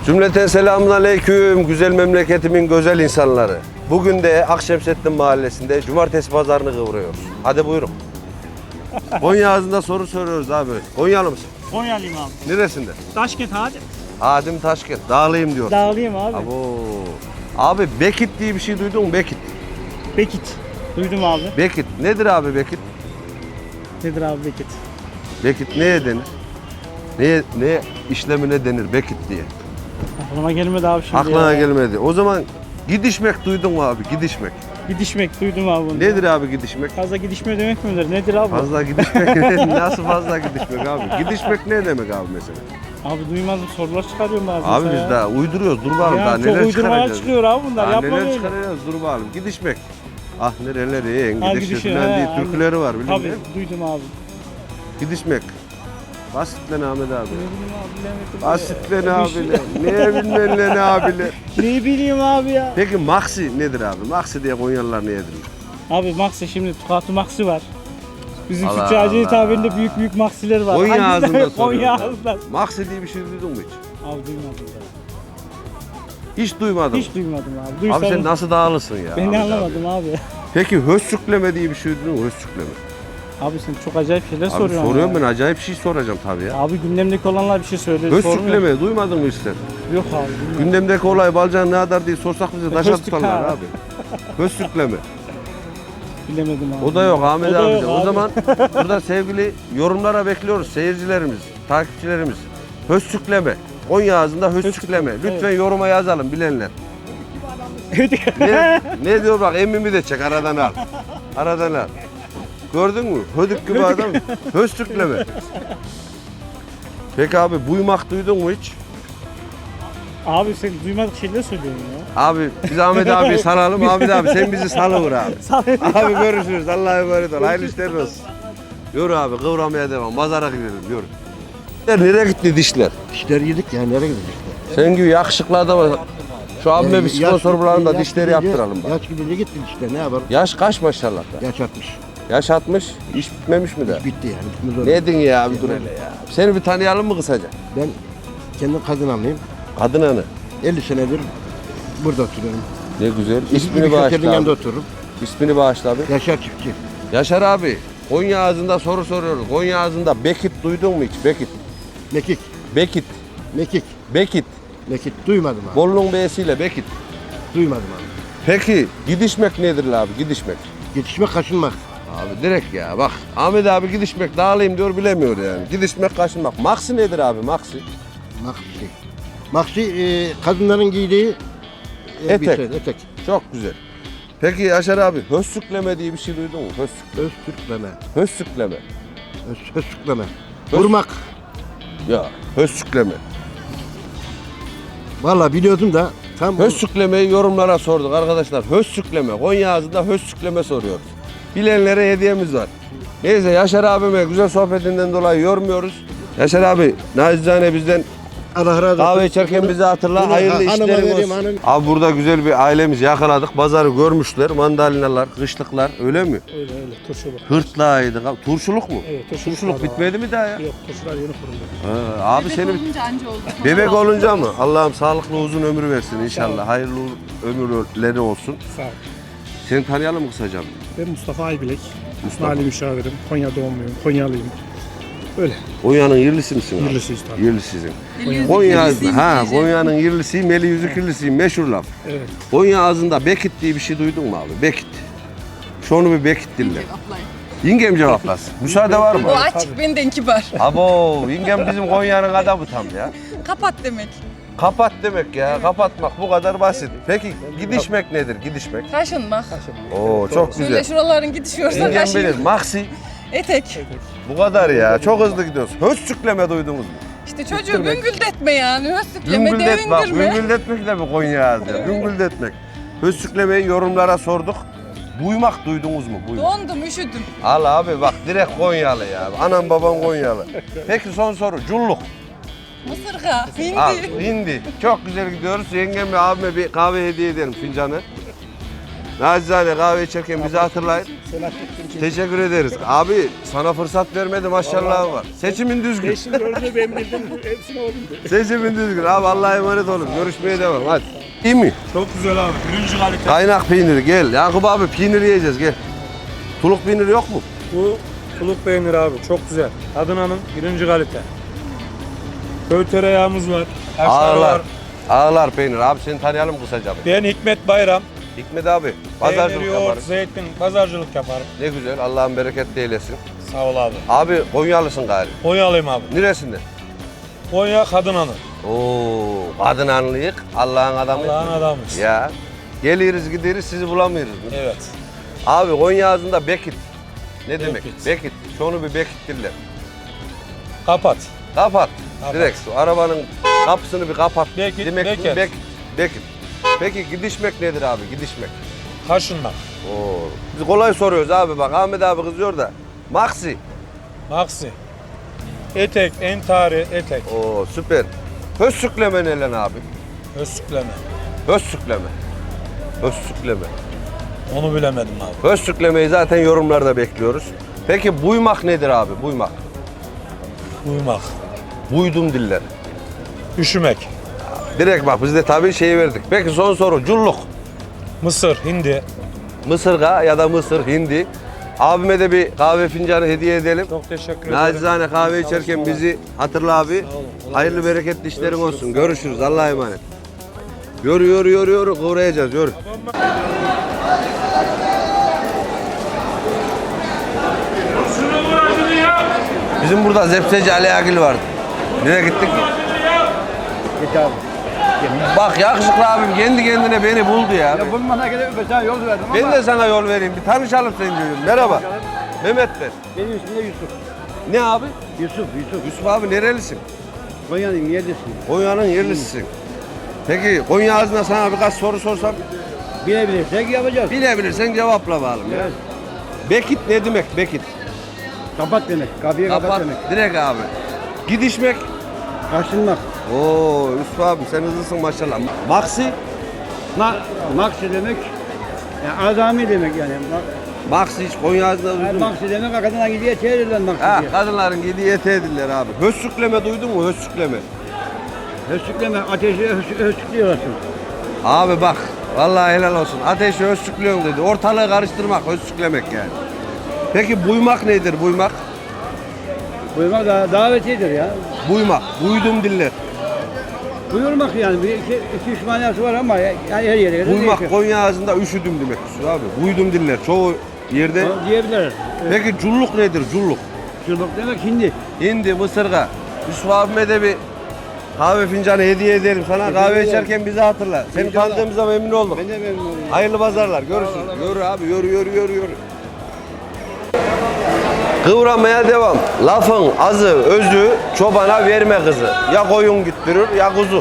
Cümleten selamünaleyküm güzel memleketimin güzel insanları. Bugün de Akşemsettin Mahallesi'nde cumartesi pazarını kıvırıyoruz. Hadi buyurun. Konya ağzında soru soruyoruz abi. Konyalı mısın? Konyalıyım abi. Neresinde? Taşkent hadi. Adım Taşkent. Dağlıyım diyor. Dağlıyım abi. Abi Bekit diye bir şey duydun mu? Bekit. Bekit. Duydum abi. Bekit. Nedir abi Bekit? Nedir abi Bekit? Bekit neye denir? Ne işlemine denir Bekit diye? Aklıma gelmedi abi şimdi. Aklına ya. gelmedi. O zaman gidişmek duydun mu abi? Gidişmek. Gidişmek duydum abi bunu. Nedir abi gidişmek? Fazla gidişme demek midir? Nedir abi? Fazla gidişmek nasıl fazla gidişmek abi? Gidişmek ne demek abi mesela? Abi duymazdım sorular çıkarıyorum bazen. Abi biz daha uyduruyoruz dur bakalım daha ya, neler çok uydurmaya çıkaracağız. çıkıyor abi bunlar. Daha Yapma neler böyle. çıkaracağız dur bakalım. Gidişmek. Ah nereleri en Ha, gidişi gidişi, falan he, diye aynen. türküleri var biliyor Tabii musun? duydum abi. Gidişmek. Basit lan Ahmet abi. Ne bileyim abi bilemedim. Basit lan abiler. Neye bilmem lan abiler. Ne bileyim abi ya. Peki Maxi nedir abi? Maxi diye Konyalılar ne yedirir? Abi Maxi şimdi Tukatı Maxi var. Bizim Allah Tüccaciye Allah. tabirinde büyük büyük Maxi'ler var. Konya Hangisi? ağzında Konya soruyorum. ağzında. Maxi diye bir şey duydun mu hiç? Abi duymadım ya. Hiç duymadım. Hiç duymadım abi. Duysam Abi sen nasıl dağılısın ya? ben de Ahmet anlamadım abi. Peki hössükleme diye bir şey duydun mu? Hössükleme. Abi sen çok acayip şeyler Abi soruyorsun. soruyorum ya. ben acayip şey soracağım tabii ya. Abi gündemdeki olanlar bir şey söylüyor. sormuyor. Hössükleme duymadın mı hiç sen? Yok abi. bilmiyorum. Gündemdeki olay balcan ne kadar diye sorsak bize taşa Höstük tutarlar ha. abi. Hössükleme. Bilemedim abi. O da yok Ahmet O da abi. yok de. O abi. zaman burada sevgili yorumlara bekliyoruz seyircilerimiz, takipçilerimiz. Hössükleme. Konya ağzında hössükleme. Hössükleme, Lütfen yoruma yazalım bilenler. Evet. Ne diyor bak emmimi de çek aradan al. Aradan al. Gördün mü? Hödük gibi adam. Hössükleme. Peki abi buymak duydun mu hiç? Abi sen duymadık şeyler söylüyorsun ya. Abi biz Ahmet abi salalım. Ahmet abi sen bizi salıvır abi. Abi görüşürüz. Allah'a emanet ol. Hayırlı işler olsun. Yürü abi kıvramaya devam. Pazara gidelim yürü. Nereye gitti dişler? Dişler yedik ya nereye gidecek? Sen gibi yakışıklı adam var. Şu abime bir sponsor bulalım da dişleri yaptıralım bak. Yaş gidince gitti dişler ne yapalım? Yaş kaç maşallah da? Yaş 60. Yaş 60. İş bitmemiş mi de? Bitti yani. Bitmez oldu. Ne edin ya abi dur hele ya. Seni bir tanıyalım mı kısaca? Ben kendim kadın anlayayım. Kadın hanı. 50 senedir burada oturuyorum. Ne güzel. Bir İsmini şoförün bağışla yanında abi. otururum. İsmini bağışla abi. Yaşar çiftçi. Yaşar abi. Konya ağzında soru soruyoruz. Konya ağzında Bekit duydun mu hiç? Bekit. Mekik. Bekit. Mekik. Bekit. Mekik. Duymadım abi. Bolu'nun B'siyle Bekit. Duymadım abi. Peki gidişmek nedir abi gidişmek? Yetişmek kaşınmak. Abi direkt ya bak Ahmet abi gidişmek dağılayım diyor bilemiyor yani. Gidişmek kaşınmak. Maksi nedir abi maksi? Maksi. Maksi kadınların giydiği Etek. bir şey, etek. Çok güzel. Peki Yaşar abi hössükleme diye bir şey duydun mu? Öztürkleme. Hössükleme. Öztürkleme. Vurmak. Ya hössükleme. Vallahi biliyordum da tam Hössüklemeyi yorumlara sorduk arkadaşlar. Hössükleme. Konya ağzında hössükleme soruyoruz. Bilenlere hediyemiz var. Neyse Yaşar abime güzel sohbetinden dolayı yormuyoruz. Yaşar abi nacizane bizden Allah razı olsun. kahve içerken bizi hatırla. Bunu Hayırlı hanıma işlerin vereyim, olsun. hanım. Abi burada güzel bir ailemizi yakaladık. Pazarı görmüşler. Mandalinalar, kışlıklar öyle mi? Öyle turşuluk. Hırtlağıydı. Turşuluk mu? Evet Turşuluk bitmedi mi daha ya? Yok turşular yeni kuruldu. Abi Bebek seni olunca anca oldu. bebek olunca mı? Allah'ım sağlıklı uzun ömür versin inşallah. Hayırlı ömürleri olsun. Sağ ol. Seni tanıyalım mı kısaca? Ben Mustafa Aybilek. Mustafa. Mali müşavirim. Konya doğumluyum. Konyalıyım. Öyle. Konya'nın yerlisi misin? abi? Yerlisiyiz tabii. Yerlisizin. Yüzük Konya yüzüğüm ha diyeceğim. Konya'nın yerlisiyim, eli yüzük yerlisiyim meşhur laf. Evet. Konya ağzında Bekit diye bir şey duydun mu abi? Bekit. Şunu bir Bekit dinle. Cevaplayın. Yengem cevaplasın. Müsaade var mı? O açık benden kibar. Abo yengem bizim Konya'nın adamı tam ya. Kapat demek. Kapat demek ya. Kapatmak bu kadar basit. Peki gidişmek nedir? Gidişmek. Kaşınmak. Oo çok Şöyle güzel. şuraların gidişiyorsa Yengem kaşın. bilir. Maksi. Etek. Bu kadar ya. Çok hızlı gidiyoruz. Hössükleme duydunuz mu? İşte çocuğu güngüldetme yani. Hösükleme, Güngüldet bak. devindirme. Güngüldetmek de mi Konya ağzı? Güngüldetmek. Hössüklemeyi yorumlara sorduk. Buymak duydunuz mu? Buymak. Dondum, üşüdüm. Al abi bak direkt Konyalı ya. Anam babam Konyalı. Peki son soru. Culluk. Mısırga, Al hindi. hindi. Çok güzel gidiyoruz. Yengemle abime bir kahve hediye edelim fincanı. Nacizane kahve içerken bizi hatırlayın. Teşekkür ederiz. Abi sana fırsat vermedi maşallah var. Seçimin düzgün. Beşin dördünü ben bildim. Hepsini o bildi. Seçimin düzgün. Abi Allah'a emanet olun. Görüşmeye devam. Hadi. İyi mi? Çok güzel abi. Birinci kalite. Kaynak peyniri gel. Yakup abi peynir yiyeceğiz gel. Tuluk peyniri yok mu? Bu tuluk peynir abi. Çok güzel. Adana'nın birinci kalite. Köy tereyağımız var. Kaşar Ağlar. var. Ağlar peynir. Abi seni tanıyalım kısaca. Ben Hikmet Bayram. Hikmet abi. Peynir, Pazarcılık yoğurt, yaparız. zeytin, pazarcılık yaparım. Ne güzel. Allah'ın bereketli eylesin. Sağ ol abi. Abi Konyalısın galiba. Konyalıyım abi. Neresinde? Konya Kadınanı. Oo, kadın anlıyık. Allah'ın adamı. Allah'ın adamıyız. Ya. Geliriz gideriz sizi bulamıyoruz. Evet. Abi Konya ağzında Bekit. Ne demek? Bekit. Bekit. Şunu bir Bekit diller. Kapat. Kapat. Kapat. Direkt şu arabanın kapısını bir kapat. Bekit, Demek ki Beket. Bekit. Peki gidişmek nedir abi? Gidişmek. Kaşınmak. Oo. Biz kolay soruyoruz abi bak. Ahmet abi kızıyor da. Maxi. Maksi. Etek, entari, etek. Oo süper. Hössükleme ne lan abi? Özsükleme. Hössükleme. Hössükleme. Onu bilemedim abi. Hössüklemeyi zaten yorumlarda bekliyoruz. Peki buymak nedir abi? Buymak. Uyumak. Buydum diller. Üşümek. Direkt bak biz de tabii şeyi verdik. Peki son soru. Culluk. Mısır, hindi. Mısırga ya da Mısır, hindi. Abime de bir kahve fincanı hediye edelim. Çok teşekkür ederim. Nacizane kahve içerken bizi hatırla abi. Sağ olun. Kolay Hayırlı gelsin. bereketli işlerin olsun. Görüşürüz. Allah'a emanet. Yürü. Kıvrayacağız. Yürü. Bizim burada Zepseci Ali Agil vardı. Nereye gittik? Git abi. Bak yakışıklı abim kendi kendine beni buldu ya. Bulmana gerek yok. Sana yol verdim Ben de sana yol vereyim. Bir tanışalım seni diyorum. Merhaba. Mehmet ben. Benim ismim de Yusuf. Ne abi? Yusuf. Yusuf abi nerelisin? Konya'nın yerlisin. Konya'nın yerlisisin. Peki Konya ağzına sana birkaç soru sorsam Bilebilirsek yapacağız. bilebilirsen cevapla bakalım ya. Evet. Bekit ne demek Bekit? Kapat demek. Kapıyı kapat, Kapat demek. direkt abi. Gidişmek. Kaçınmak. Oo Yusuf abi sen hızlısın maşallah. Maksi. Maksi demek. Yani azami demek yani. Maksi hiç Konya ağzına duydun mu? Maksi demek kadına gidiyor çevirilen maksi Ha, diye. kadınların yediği ete ediller abi. Hössükleme duydun mu? Hössükleme. Hössükleme, ateşi hössüklüyorsun. Abi bak vallahi helal olsun. Ateşi hössüklüyorsun dedi. Ortalığı karıştırmak, hössüklemek yani. Peki buymak nedir buymak? Buyurmak da davetidir ya. Buymak, buydum diller. Buyurmak yani. İki üç manası var ama yani her yere kadar Buymak değişiyor. Konya ağzında üşüdüm demek Yusuf abi. Buydum diller çoğu yerde. Onu diyebiliriz. Peki culluk nedir culluk? Çubuk demek hindi. Hindi, mısırga. Yusuf abime de bir kahve fincanı hediye edelim sana. Kahve ederim. içerken bizi hatırla. Seni İnşallah. tanıdığımıza memnun olduk. Ben de memnun oldum. Hayırlı pazarlar. Görüşürüz. Yürü abi yürü. Kıvramaya devam. Lafın azı, özü çobana verme kızı. Ya koyun güttürür ya kuzu.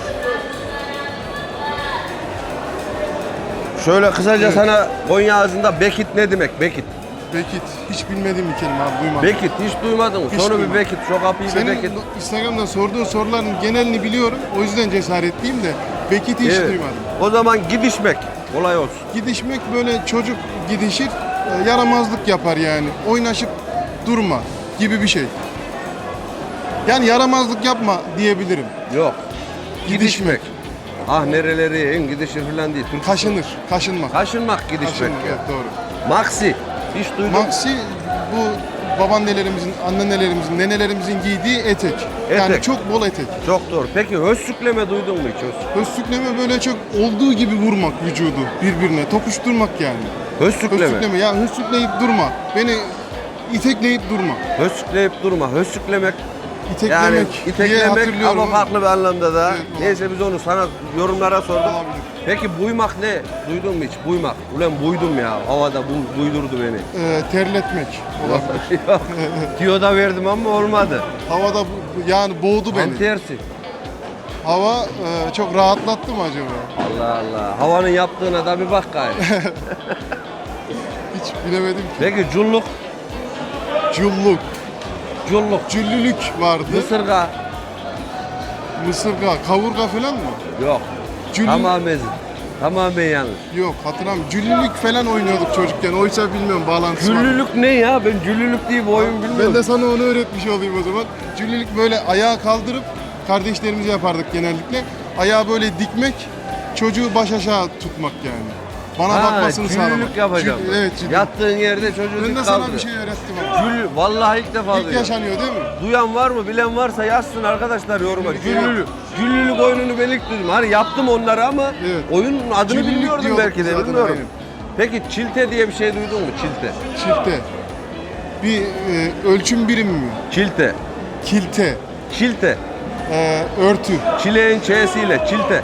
Şöyle kısaca sana Konya ağzında Bekit ne demek? Bekit. Bekit. Hiç bilmediğim bir kelime abi duymadım. Bekit hiç duymadın mı? Hiç Sonu bir duymadım. Bekit, şu kapıyı bir Senin Bekit. Instagram'da sorduğun soruların genelini biliyorum. O yüzden cesaretliyim de Bekit'i hiç Evet. duymadım. O zaman gidişmek. Kolay olsun. Gidişmek böyle çocuk gidişir, yaramazlık yapar yani. Oynaşıp durma gibi bir şey. Yani yaramazlık yapma diyebilirim. Yok. Gidişmek. Ah nereleri en gidişir falan değil. Türk Kaşınmak. Kaşınmak gidişmek Kaşınmak, ya. evet, doğru. Maxi. Hiç duydun mu? Maxi bu babaannelerimizin, annelerimizin, nenelerimizin giydiği etek. Yani Etek. çok bol etek. Çok doğru. Peki hössükleme duydun mu hiç? Hössükleme böyle çok olduğu gibi vurmak vücudu birbirine, tokuşturmak yani. Hössükleme. Hössükleme ya hössükleyip durma. Beni itekleyip durma. Hössükleyip durma. Hössüklemek İteklemek yani diye iteklemek hatırlıyorum. ama farklı bir anlamda da. Evet, doğru. Neyse biz onu sana yorumlara sorduk. Olabilir. Peki buymak ne? Duydun mu hiç? Buymak. Ulan buydum ya. Havada buydurdu beni. Terletmek olabilir. Tiyo da verdim ama olmadı. Havada yani boğdu Tam beni. tersi. Hava çok rahatlattı mı acaba? Allah Allah. Havanın yaptığına da bir bak gayet. Hiç bilemedim ki. Peki culluk. Culluk, Culluk. cüllülük vardı. Mısırga. Mısırga, kavurga falan mı? Yok. Cüllü- Tamamen. Tamamen yanlış. Yok hatırlamıyorum. Cüllülük falan oynuyorduk çocukken. Oysa bilmiyorum bağlantısı var. Cüllülük ne ya? Ben cüllülük diye bir oyun bilmiyorum. Ben de sana onu öğretmiş olayım o zaman. Cüllülük böyle ayağı kaldırıp kardeşlerimizi yapardık genellikle. Ayağı böyle dikmek, çocuğu baş aşağı tutmak yani. Bana bakmasını sağlamak. Cüllülük yapacağım. Evet cüllülük. Yattığın yerde çocuğu Ben dik de sana kaldır. bir şey öğrettim ama. Vallahi ilk defa İlk duyuyorum. yaşanıyor değil mi? Duyan var mı, bilen varsa yazsın arkadaşlar yoruma. Cüllülük. Cüllülük oyununu ben ilk duydum. Hani yaptım onları ama Evet. oyunun adını Cüllülük bilmiyordum diyorduk belki de zaten, bilmiyorum. aynen. Peki çilte diye bir şey duydun mu? Çilte. Çifte. Bir ölçüm birimi mi? Çilte. Kilte. Çilte. Örtü. Çileğin ç'siyle çilte.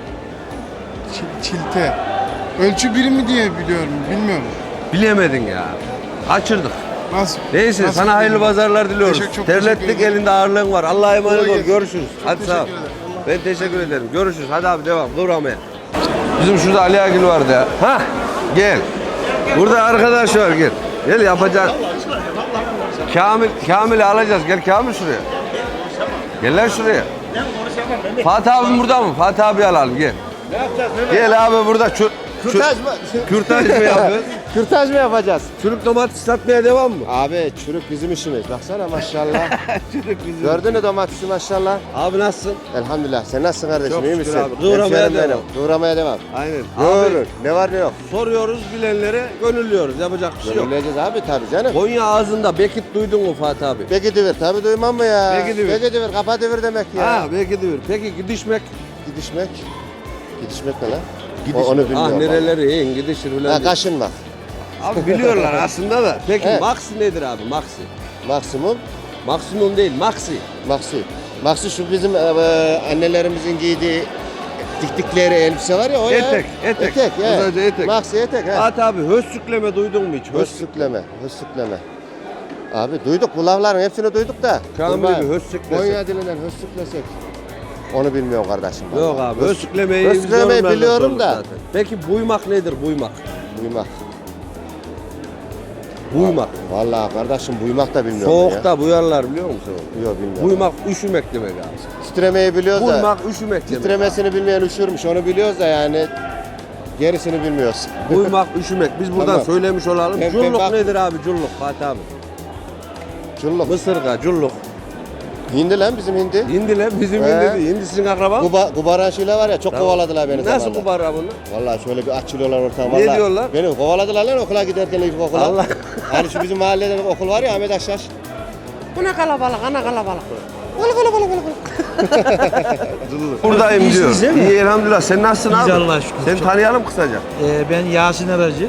Çilte. Ölçü birimi diye biliyorum. Bilmiyorum. Bilemedin ya. Kaçırdık. Nasıl? Neyse nasıl sana hayırlı bilmiyorum. pazarlar diliyoruz. Çok teşekkür Terlettik ederim. elinde ağırlığın var. Allah'a emanet Kolay ol. gelsin. Görüşürüz. Çok Hadi sağ ol. teşekkür ederim. Ben teşekkür ederim. Görüşürüz. Hadi abi devam. Kıvramaya. Bizim şurada Ali Agil vardı ya. Hah. Gel. Burada arkadaş var gel. Gel yapacağız. Kamil'i alacağız. Gel Kamil şuraya. Gel lan şuraya. Fatih abim burada mı? Fatih abi alalım gel. Gel abi burada. Kürtaj mı? Kürtaj mı yapıyoruz? Kürtaj mı yapacağız? Çürük domates satmaya devam mı? Abi çürük bizim işimiz. Baksana maşallah. Çürük bizim. Gördün mü domatesi maşallah? Abi nasılsın? Elhamdülillah. Sen nasılsın kardeşim? Çok İyi şükür misin? abi. Kıvramaya Hemşerim benim. devam. Kıvramaya devam. Aynen. Ne Abi olur? Ne var ne yok? soruyoruz bilenlere gönüllüyoruz. Yapacak bir şey yok. Gönülleyeceğiz abi tabii canım. Konya ağzında Bekit duydun mu Fatih abi? Peki divir. Tabii duymam mı ya? Peki divir. Peki divir. Kapa divir demek ya. Ha Bekit diyor. Peki gidişmek? Gidişmek. Gidişmek ne lan? Gidişmek. Onu bilmiyorum. Ah abi. nereleri in gidişir Ha falan. kaşınmak. Abi biliyorlar aslında da. Peki Evet. maksi nedir abi maksi? Maksimum. Maksimum değil maksi. Maksi. Maksi şu bizim annelerimizin giydiği diktikleri elbise var ya o ya. Etek, etek. Etek ya. Kısaca etek. Maksi etek ha. Fatih abi hössükleme duydun mu hiç? Hössükleme, hössükleme. Abi duyduk bu lafların hepsini duyduk da. Kamil Dur bakayım. bir hössüklesek. Konya dilinden hössüklesek. Onu bilmiyorum kardeşim. Yok vallahi. abi hössüklemeyi biz hössüklemeyi yorumlardan biliyorum sorduk da. zaten. Peki buymak nedir buymak? Buymak. Buymak. Vallahi kardeşim buymak da bilmiyorum Soğukta buyarlar biliyor musun? ya. Yok bilmiyorum. Buymak üşümek demek abi. Titremeyi biliyoruz da. Buymak üşümek demek. Titremesini bilmeyen üşürmüş. Onu biliyoruz da yani. Gerisini bilmiyoruz. Buymak üşümek. Biz buradan Tamam. söylemiş olalım. Ben Culluk bak- nedir abi culluk Fatih abi? Culluk. Mısırga culluk. Hindi lan bizim hindi. Hindi lan bizim He. hindi değil. Hindi sizin akraba mı? Kubaran şeyler var ya çok Tamam. kovaladılar beni Nasıl zamanında. kubara bunu? Vallahi şöyle bir açılıyorlar ortam. Ne vallahi. diyorlar? Beni kovaladılar lan okula giderken ilkokula. Allah. Hani şu bizim mahallede bir okul var ya Ahmet Akşaş. Bu ne kalabalık ana kalabalık. Buradayım diyor. İyisiniz değil mi? İyi elhamdülillah. Sen nasılsın İyiyiz abi? Allah'a şükür. Seni Çok- tanıyalım kısaca. Ben Yasin Aracı.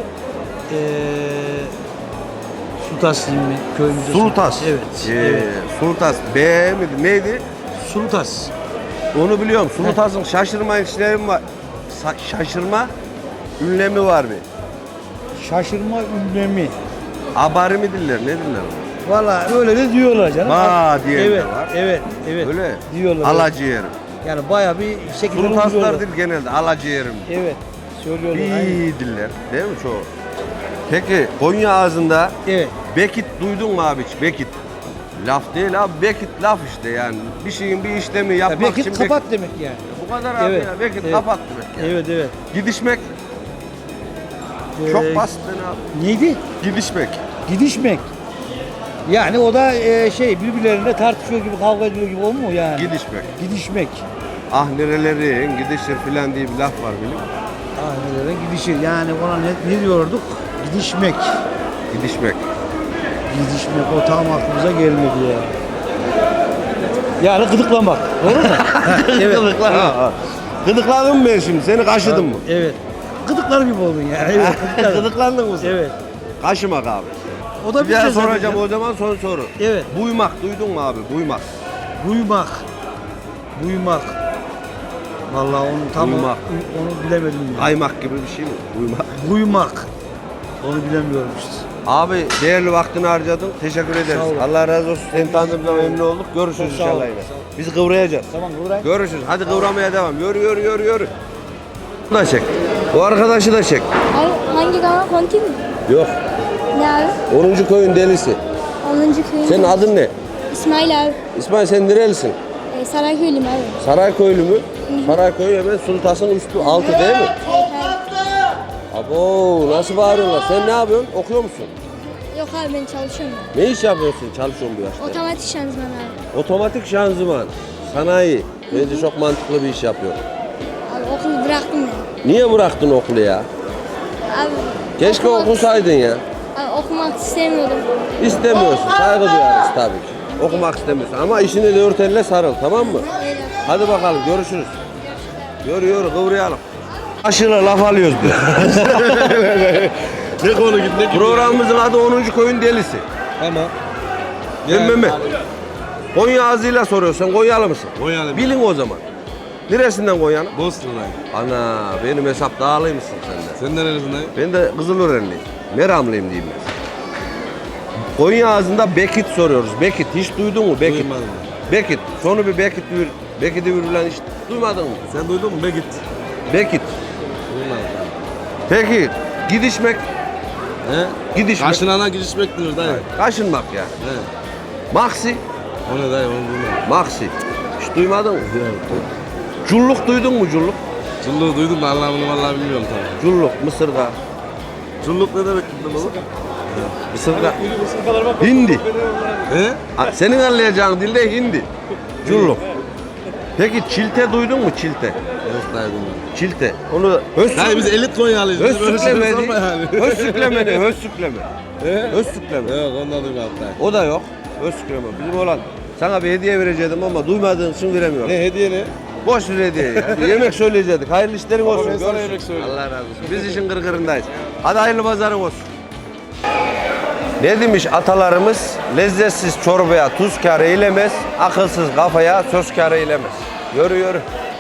Sultas köyümüzde. Sultas. Evet. Ee, evet. Sultas. B miydi? Neydi? Sultas. Onu biliyorum. Sultas'ın şaşırma işlemi var. Şaşırma ünlemi var bir. Şaşırma ünlemi. Abari mi diller? Ne diller? Valla öyle de diyorlar canım. Ba diyen de evet, var. Evet, evet. Öyle. Diyorlar. Alaciğerim. Yani bayağı bir şekilde Sultaslar uyguluyorlar. değil genelde. Alaciğerim. Evet. Söylüyorlar. aynen. Bir diller. Değil mi çoğu? Peki Konya ağzında Evet. Bekit duydun mu abi hiç? Bekit. Laf değil abi. Bekit laf işte yani. Bir şeyin bir işlemi Ya yapmak belki için kapat demek yani. Bu kadar abi Evet, ya. Bekit evet. kapat demek yani. Evet, evet. Gidişmek çok basit abi. Neydi? Gidişmek. Gidişmek. Yani o da birbirlerine tartışıyor gibi, kavga ediyor gibi olmuyor yani. Gidişmek. Gidişmek. Ah nerelerin gidişir filan diye bir laf var biliyor musun? Ailelere gidişir. Yani ona ne diyorduk? Gidişmek. Gidişmek. Gidişmek o tam aklımıza gelmedi ya. Yani gıdıklamak. Doğru mu? evet. Gıdıkladın mı ben şimdi? Seni kaşıdım mı? Evet. Gıdıklar gibi oldun yani. Evet. gıdıklar. Gıdıklandın mı sen? Evet. Kaşımak abi. O da Bir daha şey soracağım zaten. o zaman son soru. Evet. Buymak duydun mu abi? Buymak. Buymak. Buymak. Vallahi onu tam Buymak. onu bilemedim ya. Kaymak gibi bir şey mi? Buymak. Buymak. Onu bilemiyorum işte. Abi değerli vaktini harcadın. Teşekkür ederiz. Sağ olun. Allah razı olsun. Seni tanıdığımda memnun olduk. Görüşürüz Çok sağ olun. inşallah yine. Sağ olun. Biz kıvrayacağız. Tamam Nuray. Görüşürüz. Hadi kıvramaya devam. Yürü. Bunu da çek. O arkadaşı da çek. Abi hangi kanal? Konti mi? Yok. Ne abi? 10. köyün delisi. 10. köy. Senin adın ne? İsmail abi. İsmail sen nerelisin? Sarayköylüyüm abi. Sarayköylü mü? Sarayköy hemen Sultas'ın üstü altı değil mi? Evet, Abo nasıl bağırıyorlar? Sen ne yapıyorsun? Okuyor musun? Yok abi ben çalışıyorum. Ne iş yapıyorsun? Çalışıyorsun bu yaşta. Otomatik şanzıman abi. Otomatik şanzıman. Sanayi. Bence çok mantıklı bir iş yapıyor. Abi okulu bıraktım ya. Niye bıraktın okulu ya? Abi Keşke okumak- okusaydın ya. Abi okumak istemiyordum. İstemiyorsun. Saygı duyarız tabii ki. Okumak istemiyorsun ama işini dört elle sarıl, tamam mı? Öyle. Hadi bakalım görüşürüz. Yürü kıvrayalım. Aşırı laf alıyoruz biz. Ne konu gitti? Programımızın adı 10. Koyun Delisi. Tamam. Değil mi? Konya ağzıyla soruyorsun. Konyalı mısın? Konyalı. Bilin o zaman. Neresinden Konya'nın? Bosna'dayım. Ana benim hesap dağılıymışsın sen de. Sen nerelisindeyim? Ben de Kızılörenliyim. Meramlıyım diyeyim ben. Konya ağzında Bekit soruyoruz. Bekit hiç duydun mu? Bekit. Duymadım. Bekit. Sonu bir Bekit vir. Bekit'i virülen hiç duymadın mı? Sen duydun mu? Begit. Bekit. Duymadım. Peki gidişmek. He? Gidişmek. Kaşınana gidişmek diyor dayı. Kaşınmak yani. He. Maksi. O ne dayı onu duymadım. Maksi. Hiç duymadın mı? Culluk duydun mu culluk? Culluk duydum da anlamını vallahi bilmiyorum tabii. Culluk, mısırga. Culluk ne demek bildim oğlum? Mısırga. Hindi. He? Senin anlayacağın dilde hindi. Culluk. Peki çilte duydun mu çilte? Yok dayı bilmiyorum. Çilte. Onu Dayı biz elit Konyalıyız. Biz böyle şey Hössükleme sorma yani. Hössükleme ne? Hössükleme. He? Hössükleme. Yok ondan duymadım dayı. O da yok. Hössükleme. Bizim olan sana bir hediye verecektim ama duymadığın için veremiyorum. Ne hediye ne? Boş bir hediye ya. Bir yemek söyleyecektik. Hayırlı işlerin olsun. ben sana Görüşürüz. yemek söyleyeyim. Allah razı olsun. Biz işin gırgırındayız. Hadi hayırlı pazarın olsun. Ne demiş atalarımız? Lezzetsiz çorbaya tuz kâr eylemez, akılsız kafaya söz kâr eylemez. Yürü.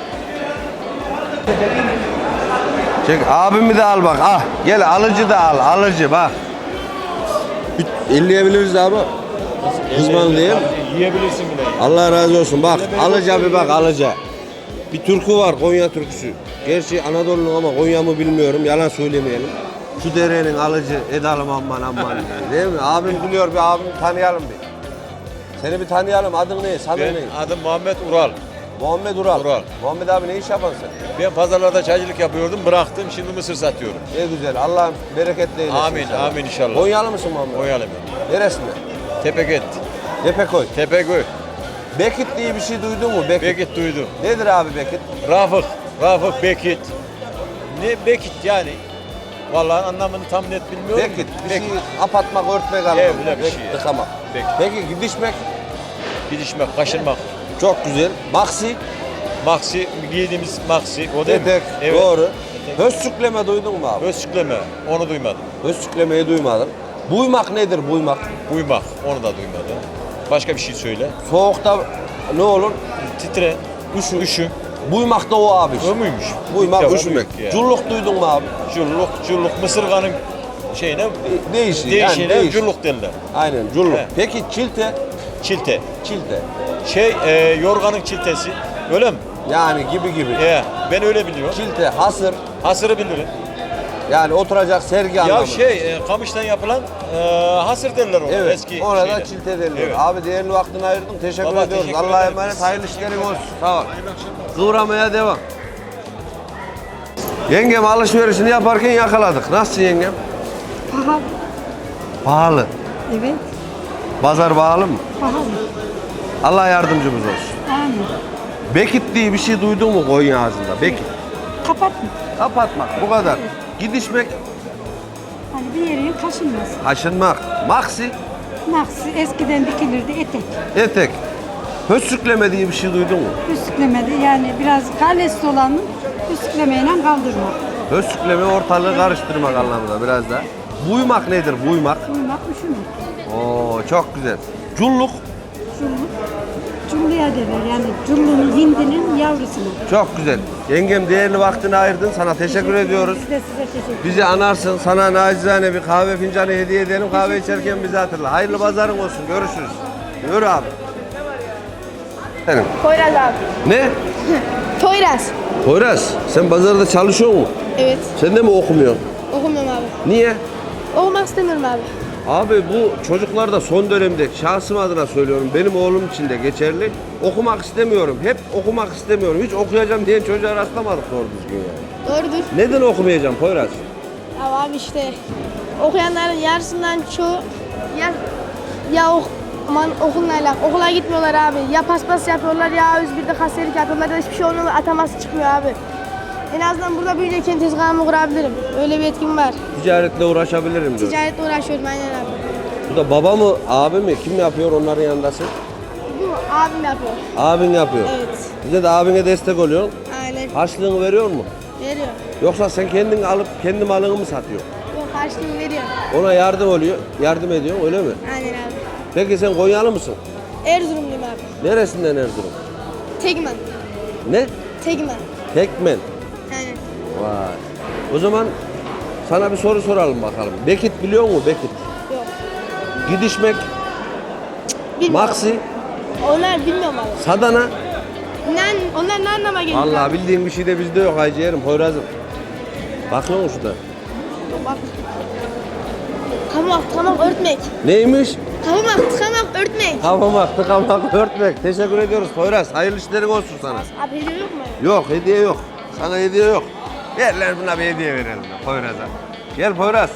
Çek abimi de al bak. Ah gel alıcı da al. Alıcı bak. İlleyebiliriz abi. Kızman değil. Yiyebilirsin bile. Allah razı olsun. Bak alıca bir bak alıca. Bir türkü var Konya türküsü. Gerçi Anadolu'nun ama Konya mı bilmiyorum. Yalan söylemeyelim. Şu derenin alıcı edelim aman. Değil mi? Abim biliyor bir abim tanıyalım bir. Seni bir tanıyalım. Adın ne? Sanın ne? Adım Muhammed Ural. Muhammed Ural. Ural. Muhammed abi ne iş yaparsın sen? Ben pazarlarda çaycılık yapıyordum, bıraktım. Şimdi mısır satıyorum. Ne güzel. Allah bereketle eylesin. Amin, inşallah. amin inşallah. Konyalı mısın Muhammed? Konyalıyım. Neresinde? Tepeket, Tepekoy. Tepeköy. Bekit diye bir şey duydun mu? Bekit. Bekit duydum. Nedir abi Bekit? Rafık Bekit. Ne Bekit yani? Vallahi anlamını tam net bilmiyorum. Bekit. Bir şey apatmak, örtmek anlamında. öyle bir şey. Tıkamak. Bekit. Peki gidişmek Gidişmek, kaşınmak. çok güzel. Maksi, Maksi, giydiğimiz maksi. O değil etek, mi? Evet. doğru. Hössükleme duydun mu abi? Özsükleme, onu duymadım. Hössüklemeyi duymadım. Buymak nedir buymak? Buymak, onu da duymadım. Başka bir şey söyle. Soğukta ne olur? Titre, üşüm. Buymak da o abi. O muymuş? Buymak, İlk defa üşümek. duyduk ya. Culluk duydun mu abi? Culluk, mısırganın şeyine Değişir. değişine değişir. culluk derler. Aynen culluk. He. Peki çilte? Çilte. Çilte. Yorganın çiltesi. Öyle mi? Yani gibi. Ben öyle biliyorum. Çilte, hasır. Hasırı bilirim. Yani oturacak sergi Ya anlamında. kamıştan yapılan hasır derler ona. Evet, Eski ona da şeyler. çilte deniliyor. Evet. Abi değerli vaktini ayırdın. Teşekkür Baba, ediyoruz. teşekkür Allah'a ederim. emanet. Hayırlı işlerin olsun. Sağ ol. Kıvramaya devam. Yengem alışverişini yaparken yakaladık. Nasılsın yengem? Pahalı. Pahalı. Evet. Pazar pahalı mı? Pahalı. Allah yardımcımız olsun. Amin. Bekit diye bir şey duydun mu Konya ağzında? Bekit. Kapatma. Kapatmak. Bu kadar. Gidişmek, Hani bir yerin kaşınmaz. aşınmak. Maksi, Maksi eskiden dikilirdi etek. etek. Hössükleme diye bir şey duydun mu? Üstlüklemedi yani biraz kalesi olanı üstlüklemeyle kaldırmak. Hössükleme ortalığı karıştırmak anlamında biraz da. Buymak nedir? Buymak. Uyumak üşümek. Oo çok güzel. Culluk Culluk. Culluya derler yani cullunun hindinin yavrusuna. çok güzel. Yengem değerli vaktini ayırdın. Sana teşekkür ediyoruz. Biz de size teşekkür ederiz. Bizi anarsın. Sana nacizane bir kahve fincanı hediye edelim. Kahve içerken bizi hatırla. Hayırlı pazarın olsun. Görüşürüz. Yürü abi. Benim. Poyraz abi. Ne? Poyraz. Poyraz sen pazarda çalışıyor musun? Evet. Sen de mi okumuyorsun? Okumuyorum abi. Niye? Okumak istemiyorum abi. Abi bu çocuklar da son dönemde şahsım adına söylüyorum. Benim oğlum için de geçerli. Okumak istemiyorum. Hep okumak istemiyorum. Hiç okuyacağım diyen çocuğa rastlamadık doğru düzgün yani. Doğrudur. Neden okumayacağım Poyraz? Abi işte okuyanların yarısından çoğu okulla alakalı. Okula gitmiyorlar abi. Ya paspas yapıyorlar ya A101'de kasiyerlik yapıyorlar ya hiçbir şey olmuyor. Ataması çıkmıyor abi. En azından burada büyüyünce kendi tezgahımı kurabilirim. Öyle bir etkim var. Ticaretle uğraşabilirim diyor. Ticaretle uğraşıyorum aynen abi. Bu da baba mı, abi mi? Kim yapıyor onların yanındasın? Bu abim yapıyor. Abin yapıyor. Evet. Bize de abine destek oluyorsun. Aynen. Harçlığını veriyor mu? Veriyor. Yoksa sen kendin alıp kendi malını mı satıyorsun? Yok harçlığını veriyor. Ona yardım ediyorsun öyle mi? Aynen abi. Peki sen Konyalı mısın? Erzurumluyum abi. Neresinden Erzurum? Tegman. Ne? Tegman. Tekmen. Aynen. Vay. O zaman sana bir soru soralım bakalım. Bekit biliyor musun Bekit? Yok. Gidişmek, Bilmiyorum. Maksi, Onlar bilmiyorum abi. Sadana. Onlar ne anlama geliyor? Vallahi bildiğin bir şey de bizde yok Hacı Yerim, Poyraz'ım. Bakıyor musun şurada? Bak. Tamam örtmek. Neymiş? Tamam örtmek. Kafama tıkamak, örtmek. Teşekkür ediyoruz Poyraz. Hayırlı işlerin olsun sana. Abi hediye yok mu? Yok, hediye yok. Sana hediye yok. Ver lan buna bir hediye verelim Poyraz'a. Gel Poyraz.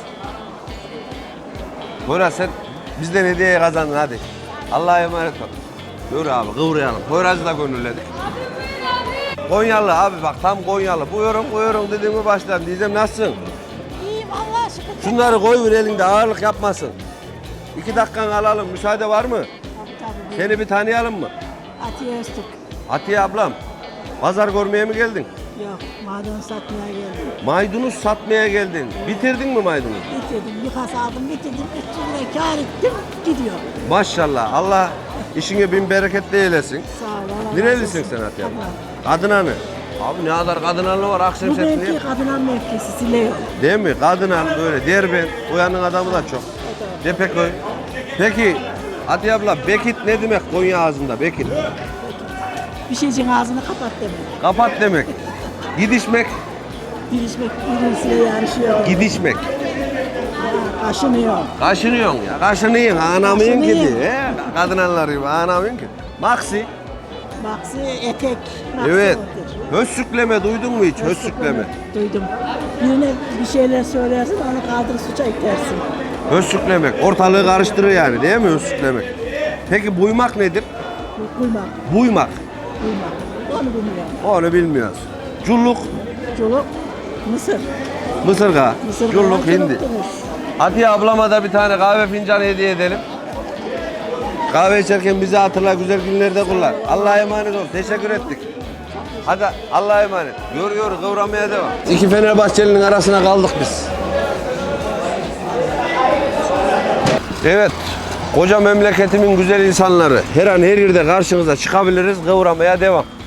Poyraz sen bizden hediyeyi kazandın hadi. Allah'a emanet ol. Yürü abi kıvrayalım. Poyraz'ı da gönülledik. Konyalı abi bak tam Konyalı. Buyurun dediğimi başladım. Diyeceğim nasılsın? İyiyim Allah'a şükür. Şunları koy bir elinde ağırlık yapmasın. 2 dakikanı alalım. Müsaade var mı? Tabii. Seni bir tanıyalım mı? Atiye Öztürk. Atiye ablam. Pazar görmeye mi geldin? Yok, maden satmaya geldim. Maydanoz satmaya geldin. Bitirdin mi maydanoz? Bitirdim, bir kasa aldım, bitirdim. 300 lira kâr ettim, gidiyor. Maşallah. Allah işine bin bereketli eylesin. Sağ ol, Allah razı Nerelisin olsun. sen Atiye abla? Kadına. Kadınanı. Abi ne kadar kadınanlı var Bu Akşemsettin. mevki kadının mevkisi, Sileyo. Değil mi? Kadınan böyle Derben. Uyanın adamı da çok. Depeköy. Peki Atiye abla Bekit ne demek Konya ağzında Bekit? Bir şeycin ağzını kapat demek. Kapat demek. Gidişmek. Girişmek, birisiyle yarışıyor. Gidişmek. Kaşınıyor. Kaşınıyorsun ya. Kaşınıyorsun. Anamıyın ki Kaşınıyor. diye. Kadınanlar gibi anamıyın ki. Maksi. Maksi, etek. Maksi Evet. odur. Hössükleme duydun mu hiç? Hössükleme. Duydum. Birine bir şeyler söylersin, onu kaldırıp suça itersin. Hössüklemek. Ortalığı karıştırır yani değil mi hössüklemek? Peki buymak nedir? Buymak, Buymak. buymak. Onu bilmiyorum. Onu bilmiyoruz. Culluk. Çoluk, Mısır. Mısırga. Mısır Culluk hindi. Atiye ablama da bir tane kahve fincanı hediye edelim. Kahve içerken bizi hatırla, güzel günlerde kullan. Allah'a emanet ol. Teşekkür ettik. Hadi Allah'a emanet. Yürü kıvramaya devam. İki Fenerbahçeli'nin arasına kaldık biz. Evet. Koca memleketimin güzel insanları. Her an her yerde karşınıza çıkabiliriz. Kıvramaya devam.